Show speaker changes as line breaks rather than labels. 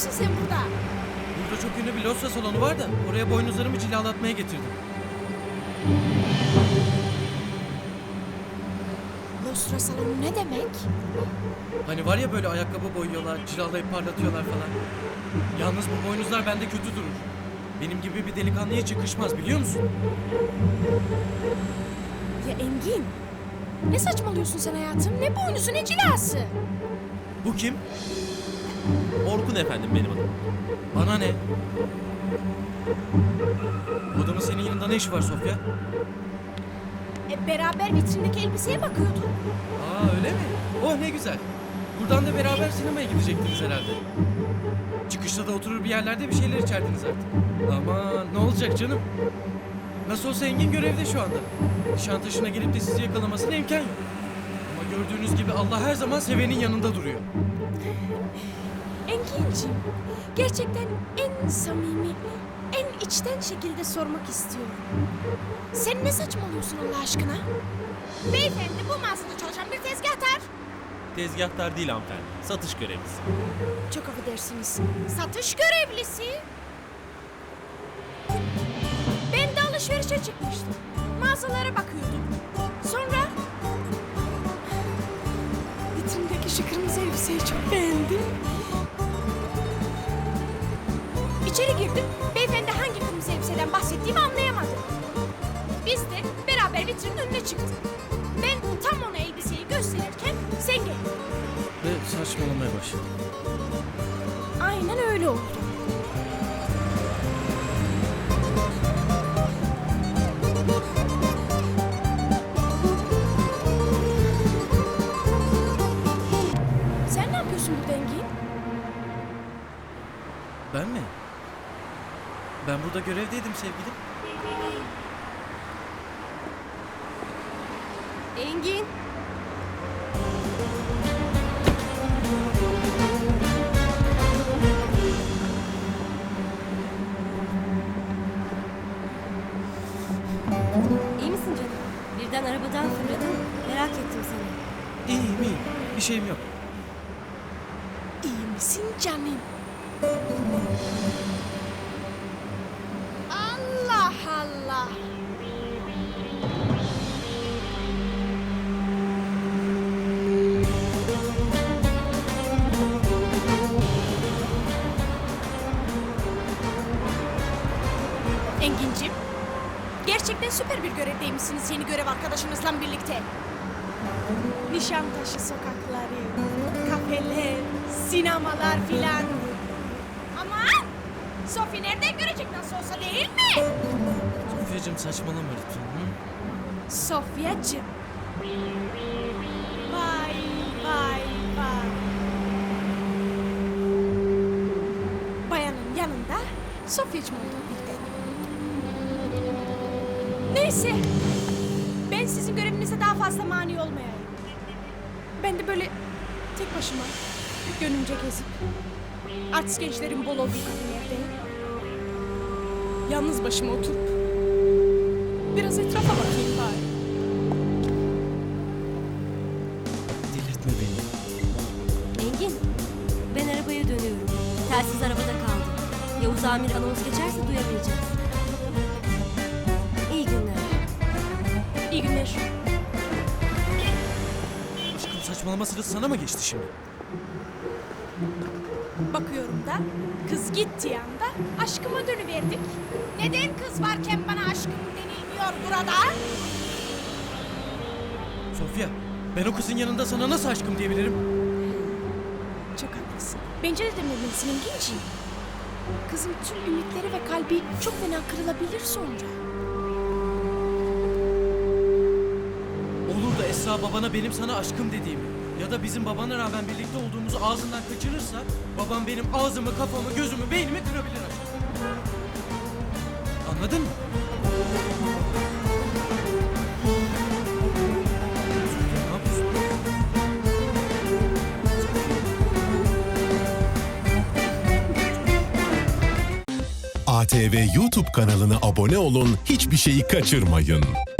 yapıyorsun sen burada?
Burada çok ünlü bir Losra salonu var da oraya boynuzlarımı cilalatmaya getirdim.
Lostra salonu ne demek?
Hani var ya böyle ayakkabı boyuyorlar, cilalayıp parlatıyorlar falan. Yalnız bu boynuzlar bende kötü durur. Benim gibi bir delikanlıya hiç yakışmaz biliyor musun?
Ya Engin, ne saçmalıyorsun sen hayatım? Ne boynuzu ne cilası?
Bu kim?
Orkun efendim benim adım.
Bana ne? Bu adamın senin yanında ne işi var Sofya?
Beraber vitrindeki elbiseye bakıyorduk.
Aa öyle mi? Oh ne güzel. Buradan da beraber sinemaya gidecektiniz herhalde. Çıkışta da oturur bir yerlerde bir şeyler içerdiniz artık. Aman ne olacak canım? Nasıl olsa Engin görevde şu anda. Nişantaşı'na gelip de sizi yakalamasına imkan yok. Ama gördüğünüz gibi Allah her zaman sevenin yanında duruyor.
Engin'ciğim, gerçekten en samimi, en içten şekilde sormak istiyorum. Sen ne saçmalıyorsun Allah aşkına? Beyefendi bu mağazada çalışan bir tezgahtar.
Tezgahtar değil hanımefendi. Satış görevlisi.
Çok affedersiniz. Satış görevlisi. Ben de alışverişe çıkmıştım. Mağazalara bakıyordum. Sonra vitrindeki şu kırmızı elbiseyi çok beğendim. İçeri girdim. Beyefendi hangi kırmızı elbiseden bahsettiğimi anlayamadı. Biz de beraber vitrinin önüne çıktık. Ben tam ona elbiseyi gösterirken sen geldin.
Ve saçmalamaya başladı.
Aynen öyle oldu. Sen ne yapıyorsun burada Engin?
Ben mi? Ben burada görevdeydim sevgilim.
Engin.
İyi misin canım? Birden arabadan fırladın. Merak ettim seni.
İyiyim iyiyim. Bir şeyim yok.
İyi misin canım? Allah Allah. Engin'cim, gerçekten süper bir görevdeymişsiniz yeni görev arkadaşınızla birlikte. Nişantaşı sokakları, kafeler, sinemalar filan. Aman! Sofi nereden görecek nasıl olsa değil mi?
Sofyacığım saçmalama lütfen. Hı?
Sofyacığım. Vay vay vay. Bayanın yanında Sofyacığım oldu birden. Neyse. Ben sizin görevinize daha fazla mani olmayayım. Ben de böyle tek başıma gönlümce gezip artist gençlerin bol olduğu kafelerde yalnız başıma oturup biraz etrafa bakayım bari.
Delirtme beni.
Engin, ben arabaya dönüyorum. Telsiz arabada kaldı. Yavuz Amir anons geçerse duyabileceğiz. İyi günler.
İyi günler.
Aşkım saçmalama sırası sana mı geçti şimdi?
Bakıyorum da kız gittiği anda aşkıma dönüverdik. Neden kız varken bana aşkım denilmiyor burada?
Sofya, ben o kızın yanında sana nasıl aşkım diyebilirim?
Çok haklısın. Bence de dememelisin Engin'ciğim. Kızın tüm ümitleri ve kalbi çok fena kırılabilir sonra.
Olur da Esra babana benim sana aşkım dediğimi ya da bizim babana rağmen birlikte olduğumuzu ağzından kaçırırsa babam benim ağzımı, kafamı, gözümü, beynimi kırabilir aşkım. Anladın mı? Ne yapıyorsun?
ATV YouTube kanalına abone olun, hiçbir şeyi kaçırmayın.